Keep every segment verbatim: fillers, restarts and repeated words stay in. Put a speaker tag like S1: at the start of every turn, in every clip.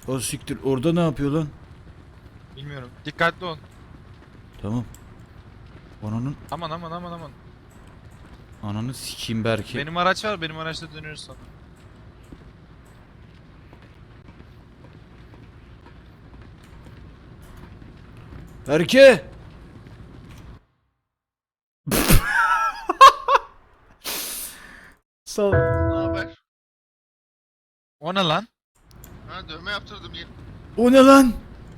S1: O siktir. Orada ne yapıyor lan?
S2: Bilmiyorum. Dikkatli ol.
S1: Tamam. Ananın
S2: Aman aman aman aman.
S1: ananı sikeyim Berke.
S2: Benim araç var. Benim araçla dönüyoruz sonra.
S1: Berke! Sağ ol.
S3: Ne haber?
S2: O ne lan?
S3: Ha, dövme yaptırdım yeni.
S1: O ne lan?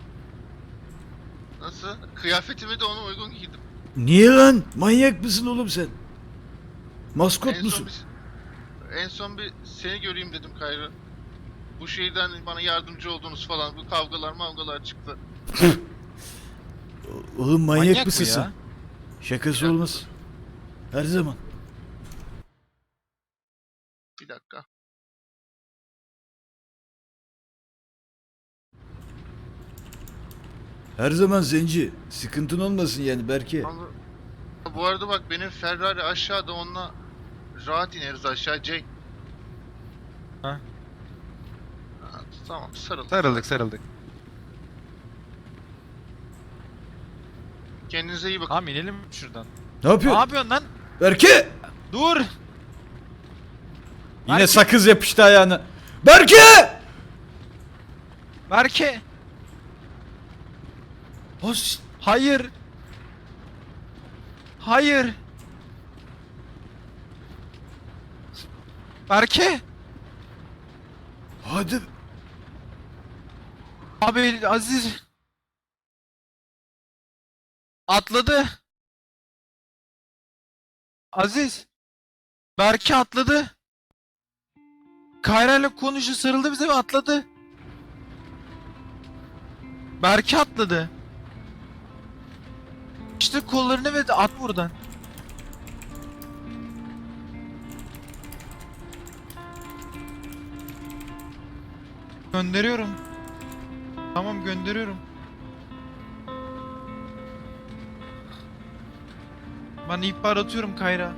S3: Nasıl? Kıyafetimi de ona uygun giydim.
S1: Niye lan? Manyak mısın oğlum sen? Maskot
S3: En son
S1: musun?
S3: bir, en son bir seni göreyim dedim Kayra. Bu şeyden bana yardımcı oldunuz falan. Bu kavgalar mavgalar çıktı.
S1: Oğlum manyak,
S2: Manyak
S1: mısın
S2: bu ya.
S1: sen? Şakası
S3: Bir
S1: olmaz. Her zaman.
S3: Bir dakika.
S1: Her zaman zenci. Sıkıntın olmasın yani Berke.
S3: Ama, bu arada bak benim Ferrari aşağıda, onunla rahat ineriz aşağı Jake.
S2: Ha?
S3: Ha, tamam sarıl.
S2: Sarıldık sarıldık.
S3: Kendinize iyi bakın.
S2: Tamam inelim şuradan.
S1: Ne
S2: Ne
S1: yapıyorsun?
S2: yapıyorsun lan?
S1: Berke!
S2: Dur.
S1: Yine
S2: Berke!
S1: sakız yapıştı ayağına. Berke!
S2: Berke.
S1: Has.
S2: Hayır. Hayır. Berke.
S1: Hadi.
S2: Abi Aziz. Atladı. Aziz. Berke atladı. Kayra ile konuşu sarıldı bize ve atladı. Berke atladı. İşte kollarını ve at buradan. Gönderiyorum. Tamam gönderiyorum. Ben ihbar atıyorum Kayra.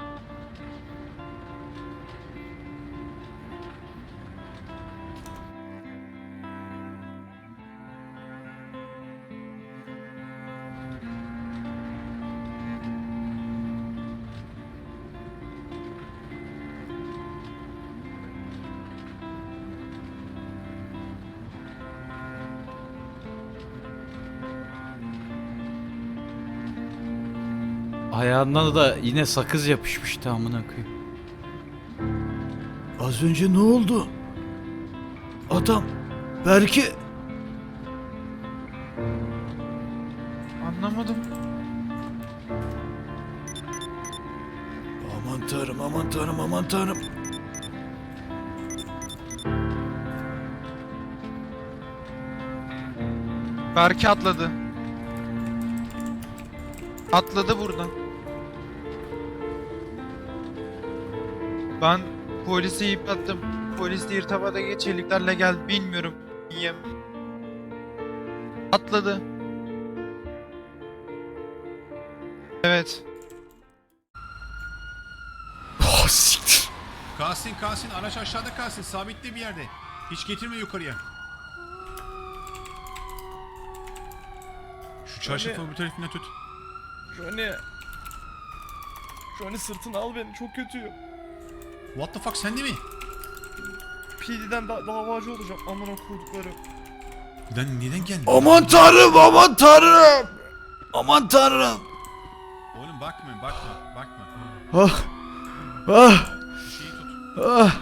S1: Ayağından da yine sakız yapışmıştı amına koyayım. Az önce ne oldu? Adam Berke
S2: Anlamadım.
S1: aman tanrım aman tanrım aman tanrım.
S2: Berke atladı. Atladı buradan. Ben polisi yıprattım. Polis de irtibata geç heliklerle gel. Bilmiyorum. Yiyem. Atladı. Evet.
S1: Oh siktir.
S4: Kalsın kalsın, araç aşağıda kalsın, sabitli bir yerde. Hiç getirme yukarıya. Şu çarşafı bu tarafından tut.
S5: Johnny. Johnny sırtını al beni, çok kötüyüm.
S4: What the fuck, sen de mi?
S5: P D'den da davacı olacağım, amına koydukları.
S4: Neden, neden geldin?
S1: Aman tanrım aman tanrım. Aman tanrım.
S4: Oğlum bakma, bakma, bakma.
S1: Ah. Ah.
S4: Şu şeyi tut.
S1: Ah.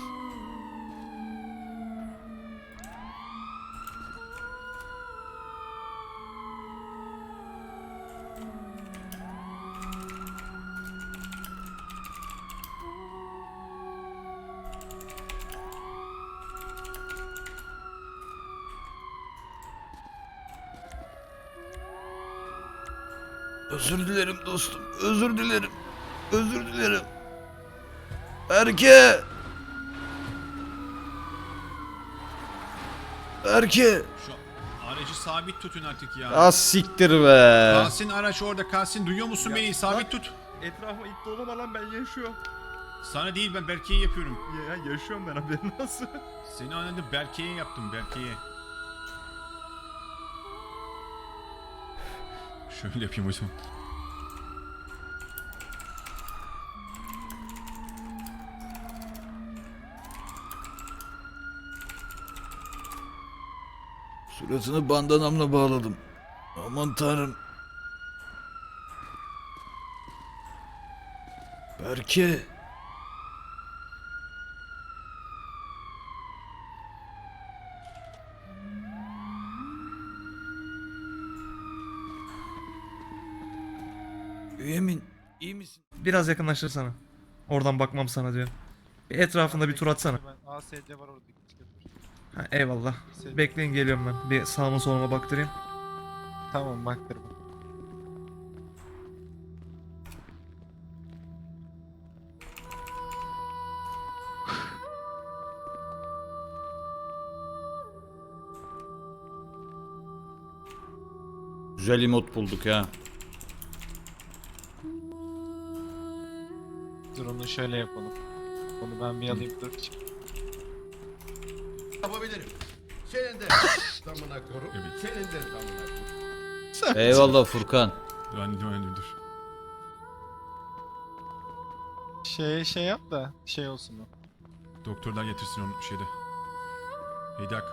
S1: Özür dilerim dostum. Özür dilerim. Özür dilerim. Berke. Berke.
S4: Şu aracı sabit tutun artık ya.
S1: Az siktir be.
S4: Kalsın araç orada, kalsın. Duyuyor musun
S5: Ya,
S4: beni? Sabit
S5: bak.
S4: tut.
S5: Etrafa it dolama lan, ben yaşıyorum.
S4: Sana değil, ben Berke'ye yapıyorum.
S5: Ya yaşıyorum ben, haberin olsun.
S4: Seni anladım, Berke'ye yaptım, Berke'ye. Şöyle yapayım o zaman.
S1: Suratını bandanamla bağladım. Aman tanrım. Berke. Bünyamin, iyi misin?
S5: Biraz yakınlaştırsana. Oradan bakmam sana diyor. Bir etrafında bir tur atsana.
S2: Ben A S C var orada. git götür.
S5: Ha, eyvallah. Bekleyin, geliyorum ben. Bir sağıma soluma baktırayım.
S2: Tamam baktırma.
S1: Güzel emot bulduk ha.
S2: Dur onu şöyle yapalım. Onu ben bir alayım dur.
S6: Yapabilirim. Senin de damına koru.
S4: Evet.
S6: Senin de damına koru.
S1: Eyvallah Furkan.
S4: Dur, dur, dur.
S2: Şey şey yap da şey olsun o.
S4: Doktorlar getirsin onu şeyde. Heydak.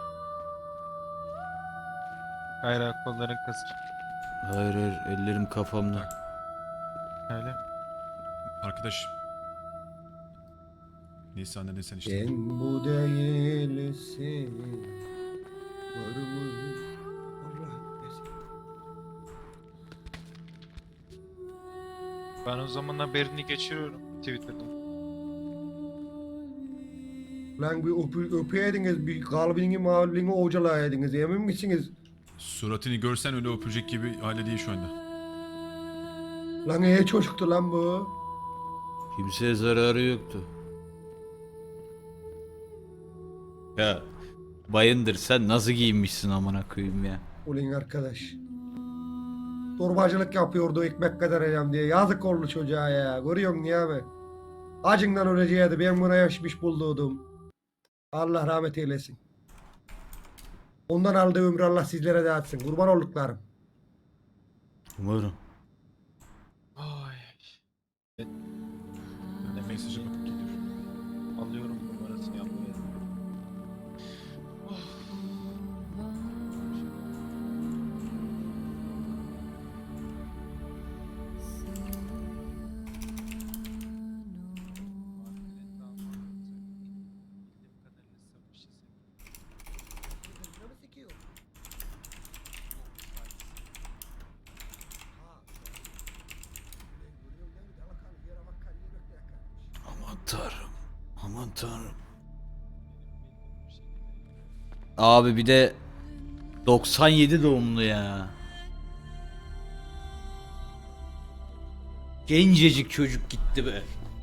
S2: Hayır kolların kasır.
S1: Hayır hayır, ellerim kafamda.
S2: Öyle.
S4: Arkadaş. Neyse anladın sen işte.
S6: Sen bu değilsin. Var mı? Allah etmesin.
S2: Ben o zaman haberini geçiriyorum Twitter'dan.
S6: Lan bir öpü, öpeydiniz, bir kalbini mağlini ovcalaydınız, emin misiniz?
S4: Suratını görsen öyle öpecek gibi hale değil şu anda.
S6: Lan iyi çocuktu lan bu.
S1: Kimseye zararı yoktu. Ya Bayındır, sen nasıl giyinmişsin amına koyayım ya.
S6: Ulan arkadaş. Torbacılık yapıyordu ekmek kazanacağım diye. Yazık oldu çocuğa ya. Görüyorsun ya abi. Acından öleceğiydi. Ben buna yaşmış bulduğum. Allah rahmet eylesin. Ondan aldığı ömrü Allah sizlere dağıtsın. Kurban olduklarım.
S1: Umarım.
S2: Ay.
S4: Ben mesajı bakıp geliyorum.
S2: Alıyorum numarasını yapmaya.
S1: Aman tanrım. Aman tanrım. Abi bir de doksan yedi doğumlu ya. Gencecik çocuk gitti be.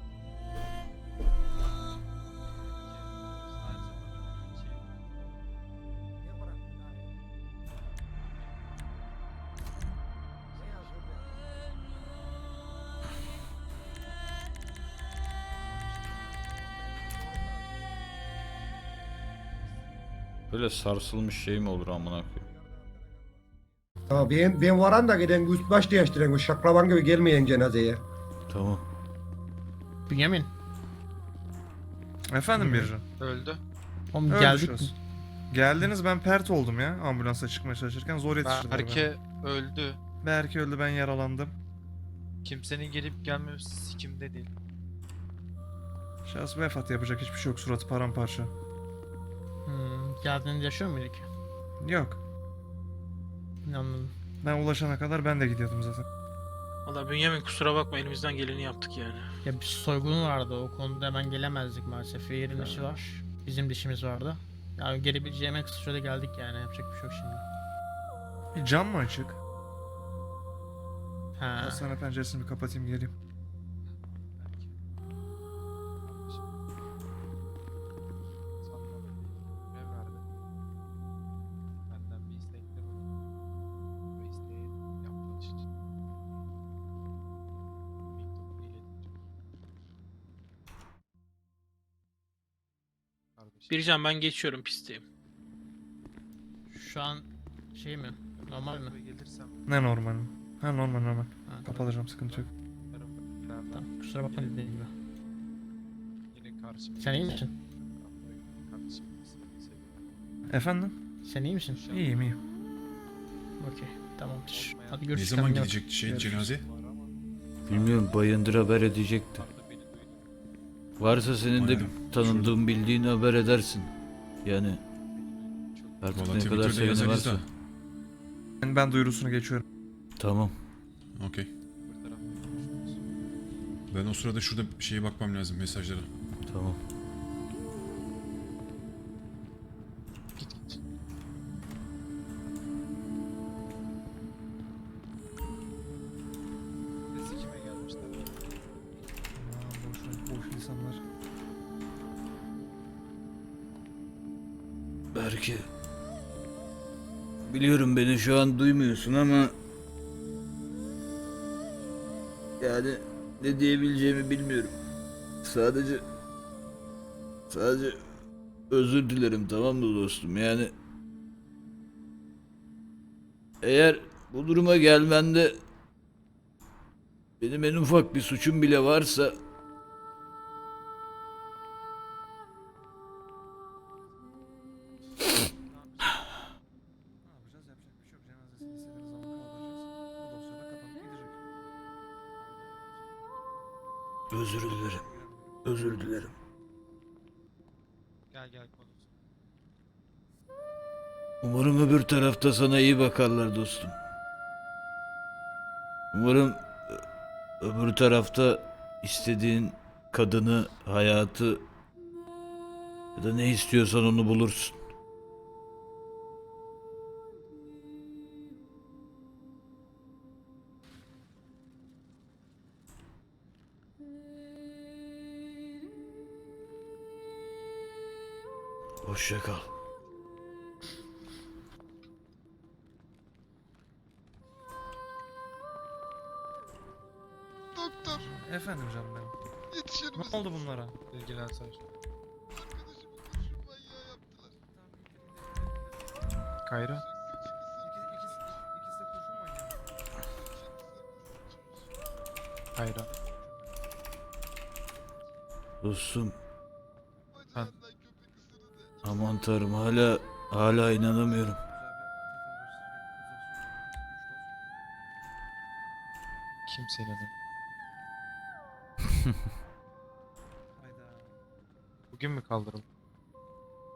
S1: Böyle sarsılmış şey mi olur amına koyayım?
S6: Ya ben, ben varan da giden üst baş değiştiren bu şaklaban gibi gelmeyen cenazeye.
S1: Tamam.
S7: Bünyamin.
S5: Efendim Bircan.
S2: Öldü.
S7: Oğlum
S5: Öyle
S7: geldik mi?
S5: düşünüyorsun. Geldiniz, ben pert oldum ya ambulansa çıkmaya çalışırken, zor yetiştirdiler beni.
S2: Berke öldü.
S5: Berke öldü, ben yaralandım.
S2: Kimsenin gelip gelmemesi sikimde değil.
S5: Şahıs vefat, yapacak hiçbir şey yok, suratı paramparça.
S7: Hmm, geldiğinde yaşıyor muyduk?
S5: Yok,
S7: Anladım.
S5: ben ulaşana kadar ben de gidiyordum zaten.
S8: Valla Bünyamin kusura bakma elimizden geleni yaptık yani.
S7: Ya bir soygun vardı, o konuda hemen gelemezdik maalesef. Yerin işi var. Bizim dişimiz vardı. Yani gelebileceğim en kısa sürede geldik yani, yapacak bir şey yok şimdi.
S5: Bir cam mı açık?
S7: Ha.
S5: Hastane penceresini bir kapatayım, geleyim.
S2: Görev verdi. Benden bir istekleri oldu. Bu isteği yapmanız için. Mektubunu ileteceğim.
S8: Bircan ben geçiyorum pistteyim.
S7: Şu an şey mi? Normal mi?
S2: Gelirsem
S5: Ne normal mi? Ha normal normal.
S7: Ha,
S5: Kapatacağım, sıkıntı yok.
S2: tarafından
S7: tamam. Kusura bakma dediğim gibi.
S2: yine karşımda.
S7: Sen iyi misin?
S2: Kardeşim seni seviyorum.
S5: Efendim?
S7: Sen iyi misin?
S5: İyiyim iyiyim.
S7: Okey. Tamamdır. Hadi
S4: Ne
S7: görüşürüz.
S4: zaman
S7: kendine bak.
S4: gidecek şey cenaze?
S2: Var ama
S1: Bilmiyorum, Bayındır haber edecekti.
S2: arada beni duydum.
S1: Varsa senin de
S4: Aynen.
S1: tanıdığın, bildiğin haber edersin. Yani artık
S4: Valla
S1: ne kadar
S4: Twitter'da
S1: seveni
S4: yazarız
S1: varsa.
S4: da.
S5: Ben, ben duyurusunu geçiyorum.
S1: Tamam.
S4: Okey.
S2: Bir tarafta konuşuyoruz.
S4: Ben o sırada şurada bir şeye bakmam lazım, mesajlara.
S1: Tamam.
S2: Git git. Sesi kime gelmişler?
S5: Aman boş, boş insanlar.
S1: Belki. Biliyorum beni şu an duymuyorsun ama... Yani ne diyebileceğimi bilmiyorum. Sadece... Sadece... Özür dilerim, tamam mı dostum? Yani... Eğer bu duruma gelmende... Benim en ufak bir suçum bile varsa...
S5: Ne yapacağız? Yapacak bir şey yok. Cenazesini istediğiniz zaman kaldıracağız. Bu dosya da kapanıp gidecek.
S1: Özür dilerim. Özür dilerim.
S2: Gel gel konuş.
S1: Umarım öbür tarafta sana iyi bakarlar dostum. Umarım ö- öbür tarafta istediğin kadını, hayatı ya da ne istiyorsan onu bulursun. Hoşça kal.
S3: Doktor
S5: Efendim canım benim.
S3: yetişir
S5: Ne
S3: misin?
S5: oldu bunlara?
S2: İlgilen sen.
S3: Arkadaşımı kurşun manyağı yaptılar.
S2: Kayra.
S5: İkisi, ikisi, ikisi de kurşun manyağı.
S2: Kayra.
S1: Dostum,
S3: Bacağından köpek ısırdı.
S1: aman tanrım, hala hala inanamıyorum.
S2: Kimsenin önü.
S5: Hayda.
S2: Bugün mü kaldırıldı?